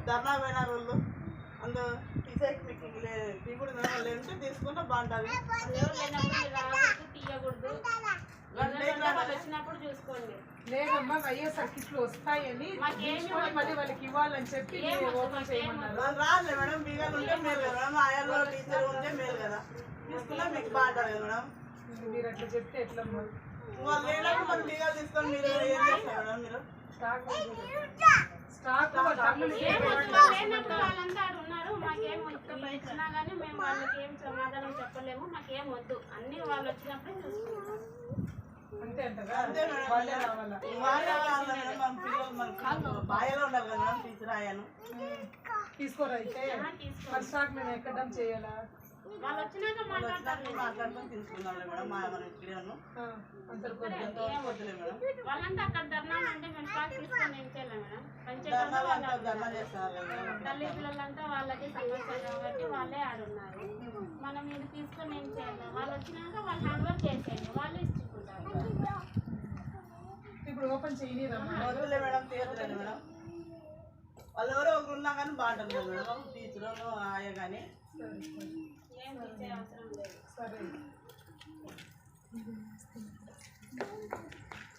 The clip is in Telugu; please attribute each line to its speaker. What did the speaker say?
Speaker 1: ధర్నా పోయిన రోజులు అందులో తీసేకి మీకు తీయకూడదు లేదంటే తీసుకుంటే బాగుంటుంది.
Speaker 2: వచ్చినప్పుడు చూసుకోండి.
Speaker 3: లేదమ్మా వైఎస్ఆర్ కిట్లు వస్తాయని మళ్ళీ వాళ్ళకి ఇవ్వాలని చెప్పి ఓపెన్ చేయమన్నారు.
Speaker 1: రాలే మేడం, బీగాలు ఉంటే మేలు కదా మేడం, ఆయాలో టీచర్ ఉంటే మేలు కదా, తీసుకున్నా మీకు బాగుంటుంది కదా మేడం.
Speaker 3: మీరు అట్లా చెప్తే ఎట్లమ్మా?
Speaker 1: వాళ్ళు లేనప్పుడు మనం బీగాలు తీసుకొని మీరు ఏం చేస్తారు మేడం? మీరు
Speaker 3: స్టాక్
Speaker 2: వాళ్ళంతా ఉన్నారు, మాకేం ఇచ్చినా కానీ మేము వాళ్ళకి ఏం సమాధానం చెప్పలేము, మాకేం వద్దు, అన్ని వాళ్ళు వచ్చినప్పుడు చూసుకుంటాం.
Speaker 3: అంతే అంటారా?
Speaker 1: అంతే మేడం, వాళ్ళే రావాలా మేడం. మన పిల్లలు మనకు బాయలో ఉండాలి కదా మేడం, టీచర్ ఆయాను
Speaker 3: తీసుకోరా అయితే మరి స్టాక్ మేము ఎక్కడం చేయాలా?
Speaker 2: వాళ్ళు వచ్చినాక
Speaker 1: మాట్లాడుకొని తీసుకుందాం మేడం. మనం ఇక్కడే ఉన్నాం, వద్దులే మేడం.
Speaker 2: వాళ్ళంతా అక్కడ ధర్నా అంటే మేము స్టాక్ తీసుకొని ఏం చేయాలి మేడం?
Speaker 1: ధర్నా చేస్తారు
Speaker 2: తల్లి పిల్లలంతా వాళ్ళకి సమస్య కాబట్టి వాళ్ళే ఆడున్నారు. మనం ఇది తీసుకొని ఏం చేయాలి? వాళ్ళు వచ్చినాక వాళ్ళు హ్యాండ్ వర్క్ చేసేయండి, వాళ్ళు ఇచ్చుకుంటారు.
Speaker 3: ఇప్పుడు ఓపెన్ చేయలేదమ్మా?
Speaker 1: వద్దులే మేడం, తీయట్లేదు మేడం. వాళ్ళు ఎవరో ఒకరు ఉన్నా కానీ బాగుంటుంది కదా మేడం, టీచర్ ఆయా కానీ.
Speaker 2: ఏం తీసే అవసరం లేదు.
Speaker 3: సరే.